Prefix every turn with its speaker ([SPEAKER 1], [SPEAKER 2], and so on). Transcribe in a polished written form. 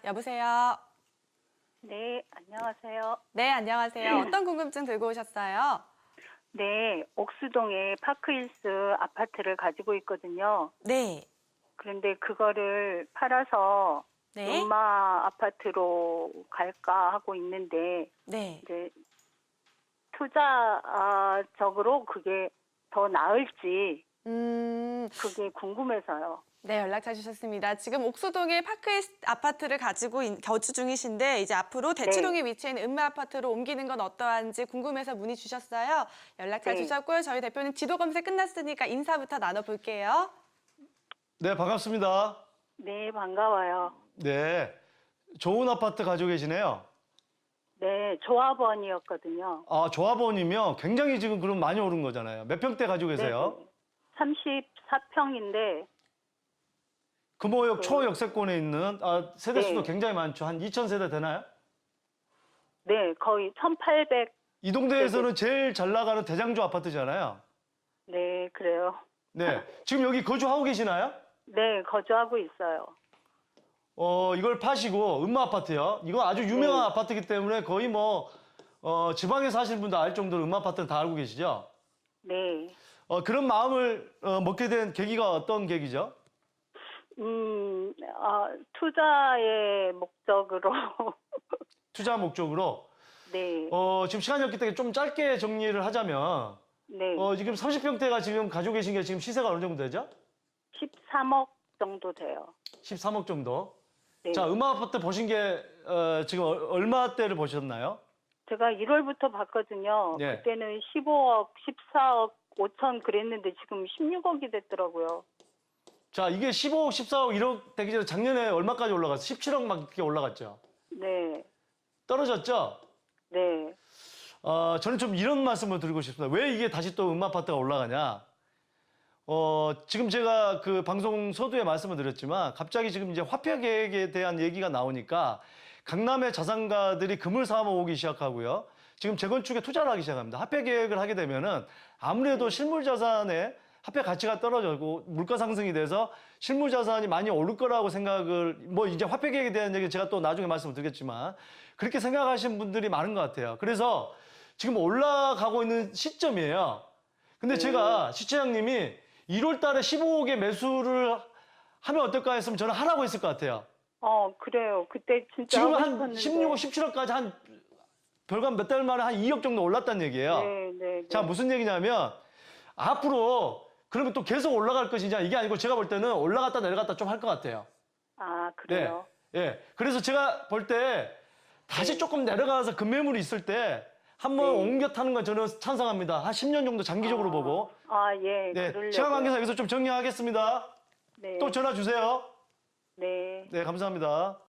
[SPEAKER 1] 여보세요.
[SPEAKER 2] 네, 안녕하세요.
[SPEAKER 1] 네, 안녕하세요. 어떤 궁금증 들고 오셨어요?
[SPEAKER 2] 네, 옥수동에 파크힐스 아파트를 가지고 있거든요.
[SPEAKER 1] 네.
[SPEAKER 2] 그런데 그거를 팔아서
[SPEAKER 1] 네.
[SPEAKER 2] 음마 아파트로 갈까 하고 있는데,
[SPEAKER 1] 네.
[SPEAKER 2] 이제 투자적으로 그게 더 나을지 그게 궁금해서요.
[SPEAKER 1] 네, 연락 주셨습니다. 지금 옥수동에 파크힐 아파트를 가지고 거주 중이신데 이제 앞으로 대치동에 위치해 있는 음마 아파트로 옮기는 건 어떠한지 궁금해서 문의 주셨어요. 연락 잘
[SPEAKER 2] 네.
[SPEAKER 1] 주셨고요. 저희 대표님 지도 검색 끝났으니까 인사부터 나눠볼게요.
[SPEAKER 3] 네, 반갑습니다.
[SPEAKER 2] 네, 반가워요.
[SPEAKER 3] 네, 좋은 아파트 가지고 계시네요.
[SPEAKER 2] 네, 조합원이었거든요.
[SPEAKER 3] 아, 조합원이면 굉장히 지금 그럼 많이 오른 거잖아요. 몇 평대 가지고 계세요?
[SPEAKER 2] 34평인데,
[SPEAKER 3] 금호역 초역세권에 있는 세대수도
[SPEAKER 2] 네.
[SPEAKER 3] 굉장히 많죠. 한 2,000세대 되나요?
[SPEAKER 2] 네, 거의 1800,
[SPEAKER 3] 이 동네에서는 제일 잘 나가는 대장조 아파트잖아요.
[SPEAKER 2] 네, 그래요.
[SPEAKER 3] 네, 지금 여기 거주하고 계시나요?
[SPEAKER 2] 네, 거주하고 있어요.
[SPEAKER 3] 이걸 파시고 음마 아파트요. 이거 아주 유명한
[SPEAKER 2] 네.
[SPEAKER 3] 아파트이기 때문에 거의 뭐 지방에 사시는 분도 알 정도로 음마 아파트는 다 알고 계시죠?
[SPEAKER 2] 네.
[SPEAKER 3] 그런 마음을 먹게 된 계기가 어떤 계기죠?
[SPEAKER 2] 투자의 목적으로.
[SPEAKER 3] 투자 목적으로.
[SPEAKER 2] 네.
[SPEAKER 3] 지금 시간이 없기 때문에 좀 짧게 정리를 하자면,
[SPEAKER 2] 네.
[SPEAKER 3] 지금 30평대가 지금 가지고 계신 게 지금 시세가 어느 정도 되죠?
[SPEAKER 2] 13억 정도 돼요.
[SPEAKER 3] 13억 정도.
[SPEAKER 2] 네.
[SPEAKER 3] 자, 음악 아파트 보신 게, 지금 얼마대를 보셨나요?
[SPEAKER 2] 제가 1월부터 봤거든요.
[SPEAKER 3] 네.
[SPEAKER 2] 그때는 15억, 14억 5천 그랬는데 지금 16억이 됐더라고요.
[SPEAKER 3] 자, 이게 15억, 14억, 1억 되기 전에 작년에 얼마까지 올라갔어요? 17억 막 이렇게 올라갔죠?
[SPEAKER 2] 네.
[SPEAKER 3] 떨어졌죠?
[SPEAKER 2] 네.
[SPEAKER 3] 저는 좀 이런 말씀을 드리고 싶습니다. 왜 이게 다시 또 음악 아파트가 올라가냐? 지금 제가 그 방송 서두에 말씀을 드렸지만 갑자기 지금 이제 화폐 계획에 대한 얘기가 나오니까 강남의 자산가들이 금을 사모 오기 시작하고요. 지금 재건축에 투자를 하기 시작합니다. 화폐 계획을 하게 되면은 아무래도 실물 자산의 화폐 가치가 떨어지고 물가 상승이 돼서 실물 자산이 많이 오를 거라고 생각을 뭐 이제 화폐 계획에 대한 얘기 제가 또 나중에 말씀을 드리겠지만 그렇게 생각하시는 분들이 많은 것 같아요. 그래서 지금 올라가고 있는 시점이에요. 근데 제가 시청장님이 1월 달에 15억에 매수를 하면 어떨까 했으면 저는 하라고 했을 것 같아요.
[SPEAKER 2] 그래요. 그때 진짜
[SPEAKER 3] 지금
[SPEAKER 2] 하고
[SPEAKER 3] 한
[SPEAKER 2] 싶었는데.
[SPEAKER 3] 16억, 17억까지 한 별간 몇 달 만에 한 2억 정도 올랐다는 얘기예요.
[SPEAKER 2] 네, 네.
[SPEAKER 3] 자, 무슨 얘기냐면 앞으로 그러면 또 계속 올라갈 것이냐 이게 아니고 제가 볼 때는 올라갔다 내려갔다 좀 할 것 같아요.
[SPEAKER 2] 그래요.
[SPEAKER 3] 예. 그래서 제가 볼 때 다시 조금 내려가서 급매물이 있을 때 한번
[SPEAKER 2] 네.
[SPEAKER 3] 옮겨 타는 건 저는 찬성합니다. 한 10년 정도 장기적으로 보고.
[SPEAKER 2] 예,
[SPEAKER 3] 네.
[SPEAKER 2] 그러려고요.
[SPEAKER 3] 시간 관계상 여기서 좀 정리하겠습니다.
[SPEAKER 2] 네.
[SPEAKER 3] 또 전화 주세요.
[SPEAKER 2] 네.
[SPEAKER 3] 네, 감사합니다.